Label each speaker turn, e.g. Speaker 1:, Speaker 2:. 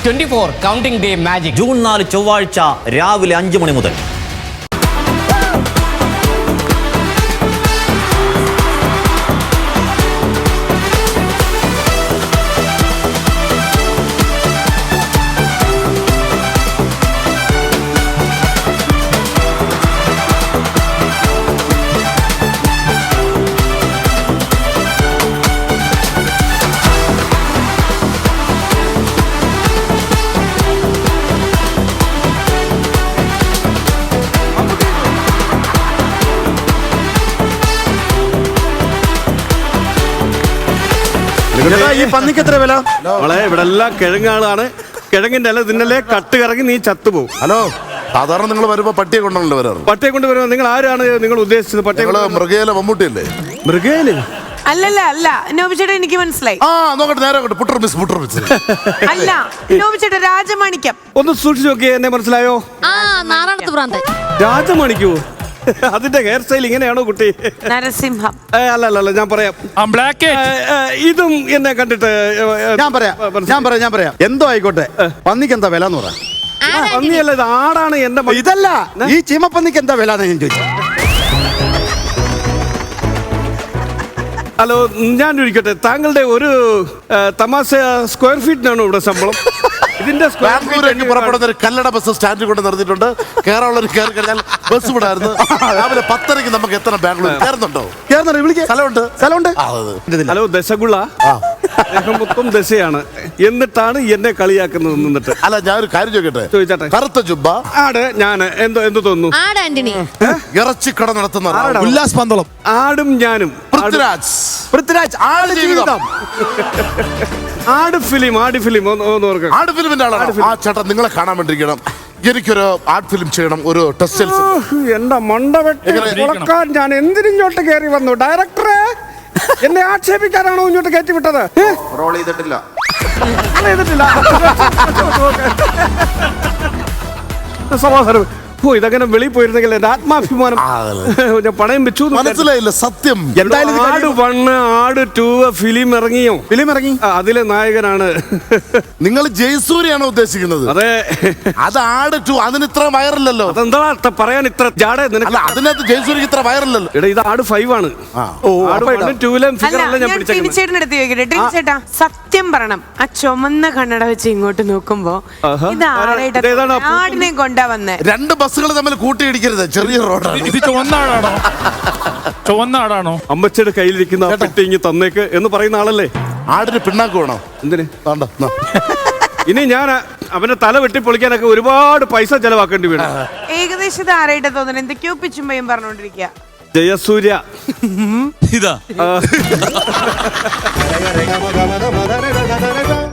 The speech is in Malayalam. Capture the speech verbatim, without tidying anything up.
Speaker 1: Twenty four counting day magic
Speaker 2: June നാല് ചൊവ്വാഴ്ച രാവിലെ അഞ്ചു മണി മുതൽ.
Speaker 3: ഈ പന്നിക്ക് എത്ര വില? നമ്മളെ ഇവിടെ എല്ലാം കിഴങ്ങാളാണ്. കിഴങ്ങിന്റെ അല്ല ഇതിന്റെ കട്ട് കറങ്ങി നീ ചത്തുപോകും.
Speaker 4: ഹലോ, സാധാരണ നിങ്ങൾ വരുമ്പോ പട്ടിയെ കൊണ്ടാണല്ലോ വരാറ്.
Speaker 3: പട്ടിയെ കൊണ്ട് വരുമ്പോ നിങ്ങൾ ആരാണ് നിങ്ങൾ ഉദ്ദേശിച്ചത്? പട്ടിയെ
Speaker 4: മൃഗേല മമ്മൂട്ടിയല്ലേ?
Speaker 3: മൃഗേല്
Speaker 5: അല്ലല്ല അല്ല നോബിച്ചേട്ടാ, എനിക്ക് മനസ്സിലായി.
Speaker 4: ആ നോക്കട്ടെ, നേരെ നോക്കട്ടെ. പുട്ടർ മിസ് പുട്ടർ മിസ്
Speaker 5: അല്ല നോബിച്ചേട്ടാ, രാജമാണിക്യം.
Speaker 3: ഒന്ന് സൂക്ഷിച്ചു നോക്കിയേ, എന്നെ മനസ്സിലായോ? രാജമാണിക്കോ? അതിന്റെ ഹെയർ സ്റ്റൈൽ ഇങ്ങനെയാണോ കുട്ടി?
Speaker 5: നരസിംഹം.
Speaker 3: അല്ല അല്ല അല്ല ഞാൻ പറയാം. ഇതും എന്നെ കണ്ടിട്ട്
Speaker 6: ഞാൻ പറയാം ഞാൻ പറയാം ഞാൻ പറയാം എന്തോ ആയിക്കോട്ടെ, പന്നിക്ക് എന്താ വില എന്ന് പറയാം.
Speaker 3: പന്നിയല്ല, ഇത് ആടാണ്. എന്റെ
Speaker 6: ഇതല്ല, ഈ ചീമപ്പന്നിക്ക് എന്താ വില എന്ന് ഞാൻ ചോദിച്ചു.
Speaker 3: ഹലോ, ഞാൻ ചോദിക്കട്ടെ, താങ്കളുടെ ഒരു തമാശ സ്ക്വയർ ഫീറ്റിനാണോ ഇവിടെ ശമ്പളം? ഇതിന്റെ
Speaker 4: ബാംഗ്ലൂരേക്ക് പുറപ്പെടുന്ന ഒരു കല്ലട ബസ് സ്റ്റാൻഡിൽ കൊണ്ട് നിർത്തിയിട്ടുണ്ട്. കേരള കയറി കഴിഞ്ഞാൽ ബസ് വിടായിരുന്നു. രാവിലെ പത്തരയ്ക്ക് നമുക്ക് എത്തണം ബാംഗ്ലൂർ. കയറുന്നുണ്ടോ?
Speaker 6: കേറുന്നുണ്ട്, വിളിക്കാം.
Speaker 4: സ്ഥലമുണ്ട്
Speaker 6: സ്ഥലമുണ്ട്.
Speaker 3: ഹലോ, ദശഗുള മൊത്തം ദശയാണ്. എന്നിട്ടാണ് എന്നെ കളിയാക്കുന്നത്. നിന്നിട്ട്
Speaker 4: അല്ല, ഞാൻ ഒരു കാര്യം ചോദിക്കട്ടെ?
Speaker 3: ചോദിച്ചാട്ടെ.
Speaker 4: കറുത്ത ജുബ്ബ
Speaker 3: ആട് ഞാൻ എന്തോ എന്ത് തോന്നുന്നു?
Speaker 4: ഇറച്ചിക്കട നടത്തുന്ന
Speaker 6: ഉല്ലാസ് പന്തളം.
Speaker 3: ആടും ഞാനും.
Speaker 4: പൃഥ്വിരാജ്
Speaker 6: പൃഥ്വിരാജ് ആട് ജീവിതം.
Speaker 3: ആട് ഫിലിം ആട് ഫിലിം ഒന്ന് ഓർക്കണം.
Speaker 4: ആട് ഫിലിമിന്റെ ആളാണ്. ആ ചേട്ടാ, നിങ്ങളെ കാണാൻ വേണ്ടിയിരിക്കണം. എനിക്കൊരു ആർട്ട് ഫിലിം ചെയ്യണം, ഒരു ടെക്സ്റ്റൈൽസ്.
Speaker 3: എന്റെ മണ്ട വെക്കാൻ ഞാൻ എന്തിനിങ്ങോട്ട് കയറി വന്നു? ഡയറക്ടറെ എന്നെ ആക്ഷേപിക്കാനാണോ ഇങ്ങോട്ട് കയറ്റി വിട്ടത്?
Speaker 4: റോൾ ചെയ്തിട്ടില്ല
Speaker 3: ചെയ്തിട്ടില്ല സമാധാനം. ഓ, ഇതങ്ങനെ വെളിയിൽ പോയിരുന്നെങ്കിൽ എന്റെ ആത്മാഭിമാനം ഞാൻ പണയം വെച്ചു.
Speaker 4: മനസ്സിലായില്ല സത്യം.
Speaker 3: എന്തായാലും ആട് വണ്ണ് ആട് ടൂ ഫിലിം ഇറങ്ങിയോ?
Speaker 6: ഫിലിം ഇറങ്ങി.
Speaker 3: അതിലെ നായകനാണ്.
Speaker 4: നിങ്ങൾ ജയസൂര്യാണോ ഉദ്ദേശിക്കുന്നത്?
Speaker 3: അതെ,
Speaker 4: അത് ആട് ടു. അതിന് ഇത്ര വയറില്ലല്ലോ.
Speaker 3: അതെന്താ പറയാൻ ഇത്ര ജാട?
Speaker 4: അല്ല, അതിനകത്ത് ജയസൂര്യക്ക് ഇത്ര വയറില്ലല്ലോ.
Speaker 3: എടാ, ഇത് ആട് ഫൈവ് ആണ്.
Speaker 5: ചേട്ടാ, സത്യം പറയണം, ആ ചുമന്ന കണ്ണട വെച്ച് ഇങ്ങോട്ട് നോക്കുമ്പോ ഇത് ആടിനെ കൊണ്ടാ വന്നേ.
Speaker 4: രണ്ട് ബസ്സുകൾ തമ്മിൽ കൂട്ടിയിടിക്കരുത്, ചെറിയ റോഡാണ്
Speaker 7: ഇത്. ചുവന്നാടാണോ? ചുവന്നാടാണോ?
Speaker 3: അമ്മച്ചിയുടെ കയ്യിലിരിക്കുന്ന പെട്ടിങ്ങി തന്നേക്ക് എന്ന് പറയുന്ന ആളല്ലേ?
Speaker 4: ആടിന് പിണ്ണാക്ക് വേണോ?
Speaker 3: എന്തിന്?
Speaker 4: ഇനി
Speaker 3: ഞാൻ അവന്റെ തല വെട്ടി പൊളിക്കാനൊക്കെ ഒരുപാട് പൈസ ചെലവാക്കേണ്ടി വരും.
Speaker 5: ഏകദേശം ആരായിട്ട് തോന്നുന്നു, എന്തൊക്കെയോ പിച്ചുമ്പയും പറഞ്ഞോണ്ടിരിക്കുക.
Speaker 3: ജയസൂര്യ
Speaker 7: ഇതാ